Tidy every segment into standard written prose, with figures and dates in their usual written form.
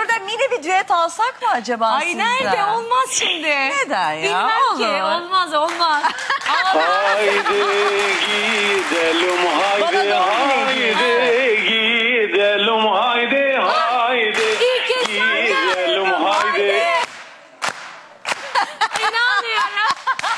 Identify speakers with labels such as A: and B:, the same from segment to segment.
A: şurada mini bir düet alsak mı acaba
B: Ay
A: sizden?
B: nerede? Olmaz şimdi.
A: Neden ya?
B: Bilmem ki.
A: Olur.
B: Olmaz.
C: Haydi gidelim haydi
A: Bana doğum günü
C: haydi gidelim haydi haydi
B: İlk kez
C: gidelim haydi.
B: İnanmıyorum.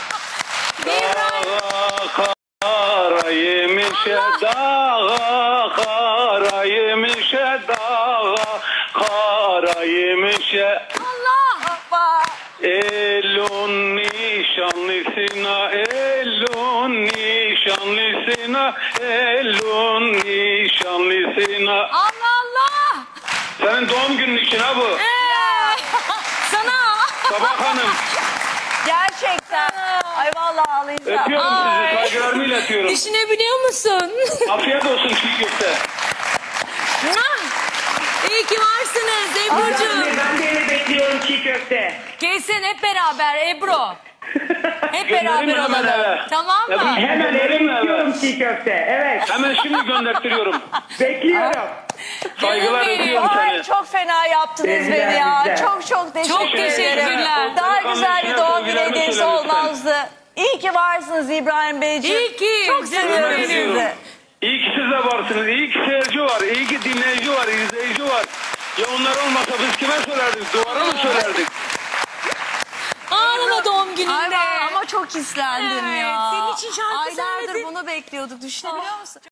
C: Dağa kara yemişe dağa kara yemişe dağa kara yemişe.
B: Allah.
A: Hoppa.
C: Elun nişanlısına, elun nişanlısına, elun nişanlısına.
B: Allah.
C: Senin doğum günün için ha bu.
B: Sana.
C: Sabah Hanım.
A: Gerçekten. Ay vallahi ağlayacağım.
C: Öpüyorum
B: Ay.
C: sizi, saygılarımı iletiyorum.
B: Düşünebiliyor musun?
C: Afiyet olsun çiğ köfte.
B: İyi ki varsınız Ebru'cuğum.
D: Ben de yine bekliyorum çiğ köfte.
B: Kesin hep beraber Ebru. Hep
C: Gönderin
B: beraber
C: hemen
B: olalım.
C: eve.
B: Tamam mı?
D: Hemen eve
C: Gönderin eve.
D: bekliyorum çiğ köfte. Evet.
C: Hemen şimdi göndertiyorum.
D: Bekliyorum.
C: Saygılar
B: benim.
C: öpüyorum
A: Ay
C: seni.
A: çok fena yaptınız
D: Güzel,
A: beni ya.
D: güzel.
A: Çok teşekkür ederim.
B: teşekkürler.
A: Daha
C: Delikanlı
A: güzel bir
C: işine
A: doğum günü
C: sevgilerimi
A: hediyesi
C: söyle lütfen.
A: olmazdı. İyi ki varsınız İbrahim Beyciğim.
B: İyi ki.
A: Çok
B: Canım
A: seviyorum
B: benim.
A: sizi.
C: İyi ki siz de varsınız. İyi ki seyirci var. İyi ki dinleyici var. İzleyici var. Ya onlar olmasa biz kime söylerdik? Duvara mı söylerdik?
B: Ağlama doğum
A: Ay
B: gününde.
A: ama çok hislendim
B: Evet,
A: ya.
B: senin için şarkı
A: Aylardır
B: söyledim.
A: bunu bekliyorduk. Düşünebiliyor musun?